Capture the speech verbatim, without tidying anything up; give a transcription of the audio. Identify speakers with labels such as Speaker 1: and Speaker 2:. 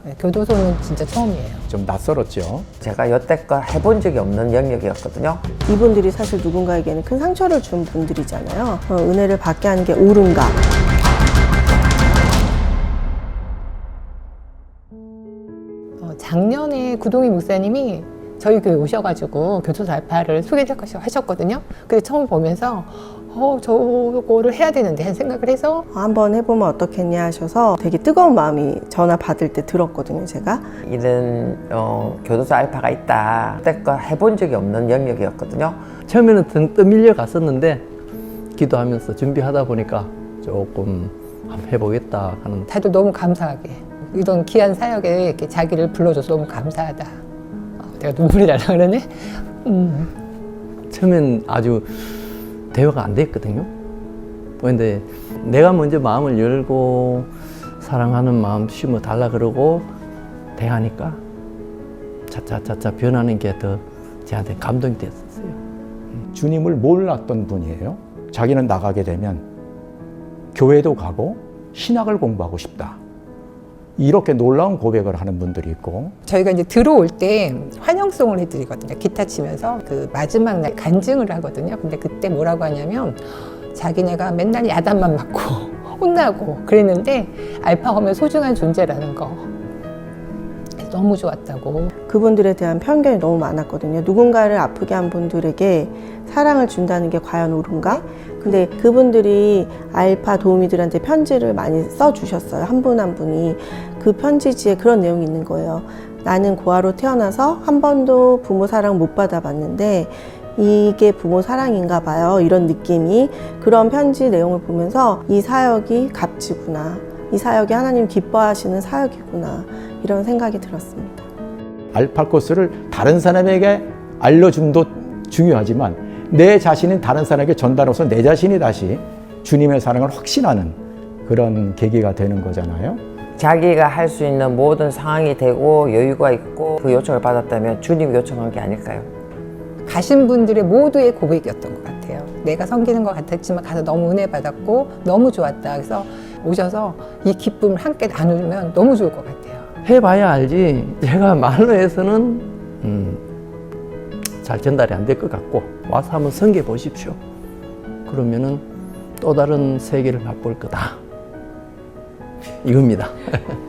Speaker 1: 교도소는 진짜 처음이에요.
Speaker 2: 좀 낯설었죠.
Speaker 3: 제가 여태껏 해본 적이 없는 영역이었거든요.
Speaker 4: 이분들이 사실 누군가에게는 큰 상처를 준 분들이잖아요. 어, 은혜를 받게 하는 게 옳은가?
Speaker 1: 어, 작년에 구동희 목사님이 저희 교회 오셔가지고 교도소 알파를 소개하셨거든요. 그래서 처음 보면서 어, 저거를 해야 되는데 한 생각을 해서
Speaker 4: 한번 해보면 어떻겠냐 하셔서 되게 뜨거운 마음이 전화 받을 때 들었거든요, 제가.
Speaker 3: 이런 어, 교도소 알파가 있다. 여태껏 해본 적이 없는 영역이었거든요.
Speaker 5: 처음에는 등 떠밀려 갔었는데 기도하면서 준비하다 보니까 조금 한번 해보겠다 하는.
Speaker 1: 다들 너무 감사하게 이런 귀한 사역에 이렇게 자기를 불러줘서 너무 감사하다. 어, 내가 눈물이 날라 그러네. 음.
Speaker 5: 처음엔 아주 대화가 안 됐거든요. 그런데 내가 먼저 마음을 열고 사랑하는 마음 심어 달라 그러고 대하니까 차차차차 변하는 게 더 저한테 감동이 됐었어요.
Speaker 2: 주님을 몰랐던 분이에요. 자기는 나가게 되면 교회도 가고 신학을 공부하고 싶다. 이렇게 놀라운 고백을 하는 분들이 있고,
Speaker 1: 저희가 이제 들어올 때 환영송을 해드리거든요. 기타 치면서 그 마지막 날 간증을 하거든요. 근데 그때 뭐라고 하냐면 자기네가 맨날 야단만 맞고 혼나고 그랬는데 알파가 오면 소중한 존재라는 거 너무 좋았다고.
Speaker 4: 그분들에 대한 편견이 너무 많았거든요. 누군가를 아프게 한 분들에게 사랑을 준다는 게 과연 옳은가? 근데 그분들이 알파 도우미들한테 편지를 많이 써주셨어요. 한 분 한 분이. 그 편지지에 그런 내용이 있는 거예요. 나는 고아로 태어나서 한 번도 부모 사랑 못 받아봤는데 이게 부모 사랑인가 봐요. 이런 느낌이. 그런 편지 내용을 보면서 이 사역이 값지구나. 이 사역이 하나님 기뻐하시는 사역이구나. 이런 생각이 들었습니다.
Speaker 2: 알파 코스를 다른 사람에게 알려줌도 중요하지만 내 자신은 다른 사람에게 전달해서 내 자신이 다시 주님의 사랑을 확신하는 그런 계기가 되는 거잖아요.
Speaker 3: 자기가 할 수 있는 모든 상황이 되고 여유가 있고 그 요청을 받았다면 주님이 요청한 게 아닐까요?
Speaker 1: 가신 분들의 모두의 고백이었던 것 같아요. 내가 섬기는 것 같았지만 가서 너무 은혜 받았고 너무 좋았다. 그래서 오셔서 이 기쁨을 함께 나누면 너무 좋을 것 같아요.
Speaker 5: 해봐야 알지. 제가 말로 해서는 음, 잘 전달이 안 될 것 같고 와서 한번 섬겨 보십시오. 그러면은 또 다른 세계를 맛볼 거다. 이겁니다.